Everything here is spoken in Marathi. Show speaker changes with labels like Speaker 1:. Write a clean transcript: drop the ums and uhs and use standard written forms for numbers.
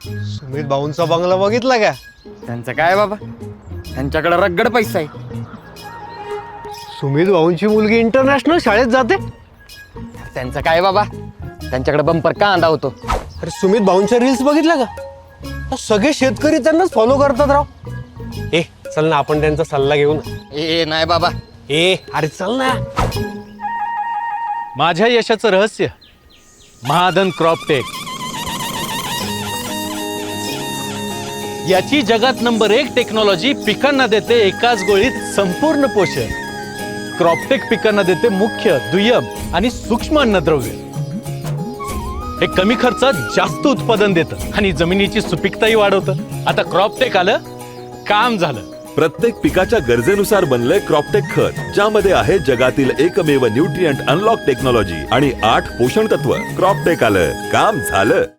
Speaker 1: सुमित भाऊंचा बंगला बघितला का?
Speaker 2: त्यांचं काय बाबा, त्यांच्याकडे रगड पैसा आहे.
Speaker 1: सुमित भाऊंची मुलगी इंटरनॅशनल शाळेत जाते.
Speaker 2: त्यांचं काय बाबा, त्यांच्याकडे बंपर कांदा होतो.
Speaker 1: अरे सुमित भाऊंच्या रील्स बघितल्या का? सगळे शेतकरी त्यांनाच फॉलो करतात राव. ए चल ना, आपण त्यांचा सल्ला घेऊ ना.
Speaker 2: ए नाही बाबा.
Speaker 1: ए अरे चल ना.
Speaker 3: माझ्या यशाचं रहस्य महाधन क्रॉपटेक. याची जगात नंबर 1 टेक्नॉलॉजी पिकांना देते एकाच गोळीत संपूर्ण पोषण. क्रॉपटेक पिकांना देते मुख्य, दुय्यम आणि सूक्ष्म अन्नद्रव्य. हे कमी खर्चात जास्त उत्पादन देतं आणि जमिनीची सुपीकताही वाढवतं. आता क्रॉपटेक आलं, काम झालं.
Speaker 4: प्रत्येक पिकाच्या गरजेनुसार बनलंय क्रॉपटेक खत, ज्यामध्ये आहे जगातील एकमेव न्यूट्रिएंट अनलॉक टेक्नॉलॉजी आणि 8 पोषण तत्व. क्रॉपटेक आलं, काम झालं.